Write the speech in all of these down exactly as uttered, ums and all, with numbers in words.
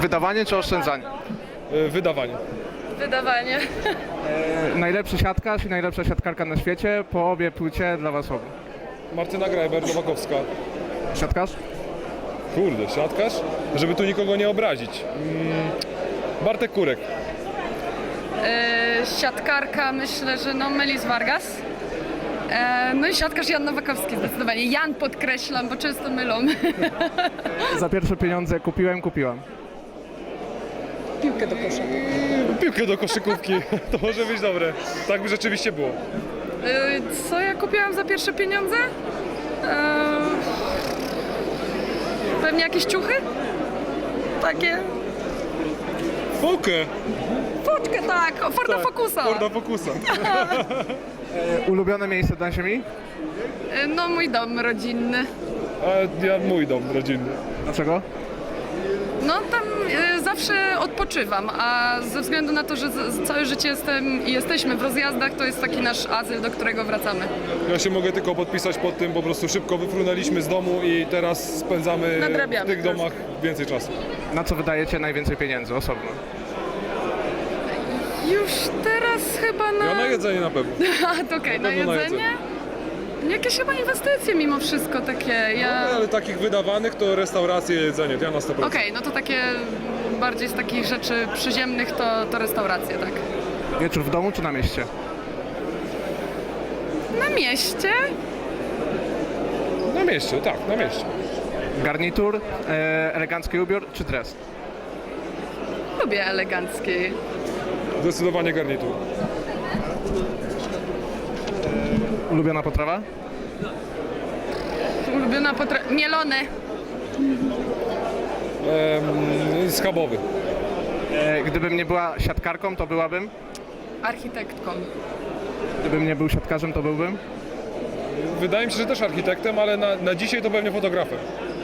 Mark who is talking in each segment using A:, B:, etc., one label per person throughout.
A: Wydawanie czy oszczędzanie?
B: E, Wydawanie.
C: Wydawanie.
A: E, najlepszy siatkarz i najlepsza siatkarka na świecie, po obie płcie dla was obu.
B: Martyna Grajber, Nowakowska.
A: Siatkarz?
B: Kurde, siatkarz? Żeby tu nikogo nie obrazić. Mm, Bartek Kurek.
C: E, siatkarka myślę, że no Melis Vargas. E, no i siatkarz Jan Nowakowski zdecydowanie. Jan podkreślam, bo często mylą.
A: Za pierwsze pieniądze kupiłem, kupiłam.
C: Piłkę do kosza.
B: Piłkę do koszykówki. To może być dobre. Tak by rzeczywiście było.
C: E, co ja kupiłam za pierwsze pieniądze? E, pewnie jakieś ciuchy? Takie?
B: Fokę.
C: Foczkę, tak, Forda Focusa.
B: Forda Focusa.
A: E, ulubione miejsce na ziemi?
C: E, no mój dom rodzinny.
B: A ja mój dom rodzinny.
A: Dlaczego?
C: No tam e, zawsze odpoczywam, a ze względu na to, że z, z całe życie jestem i jesteśmy w rozjazdach, to jest taki nasz azyl, do którego wracamy.
B: Ja się mogę tylko podpisać pod tym, po prostu szybko wyfrunęliśmy z domu i teraz spędzamy w
C: Nadrabiamy.
B: tych domach więcej czasu.
A: Na co wydajecie najwięcej pieniędzy osobno?
C: Już teraz chyba na...
B: Ja na jedzenie na pewno.
C: A, to okej, na
B: pewno na
C: jedzenie? Jakieś chyba inwestycje mimo wszystko takie, ja...
B: No, ale takich wydawanych to restauracje, jedzenie, to ja na sto procent.
C: Okej, no to takie bardziej z takich rzeczy przyziemnych to, to restauracje, tak.
A: Wieczór w domu czy na mieście?
C: Na mieście?
B: Na mieście, tak, na mieście.
A: Garnitur, e, elegancki ubiór czy dres?
C: Lubię elegancki.
B: Zdecydowanie garnitur.
A: Ulubiona potrawa?
C: Ulubiona potra... Mielone.
B: Ehm, schabowy.
A: E, gdybym nie była siatkarką, to byłabym?
C: Architektką.
A: Gdybym nie był siatkarzem, to byłbym?
B: Wydaje mi się, że też architektem, ale na, na dzisiaj to pewnie fotografem.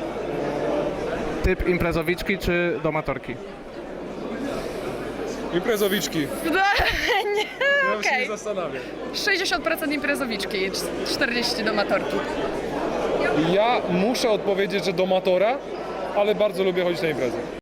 A: Typ imprezowiczki czy domatorki?
B: Imprezowiczki.
C: Nie,
B: Ja się
C: okej.
B: nie zastanawiam.
C: sześćdziesiąt procent imprezowiczki, czterdzieści procent domatorki.
B: Ja muszę odpowiedzieć, że do matora, ale bardzo lubię chodzić na imprezy.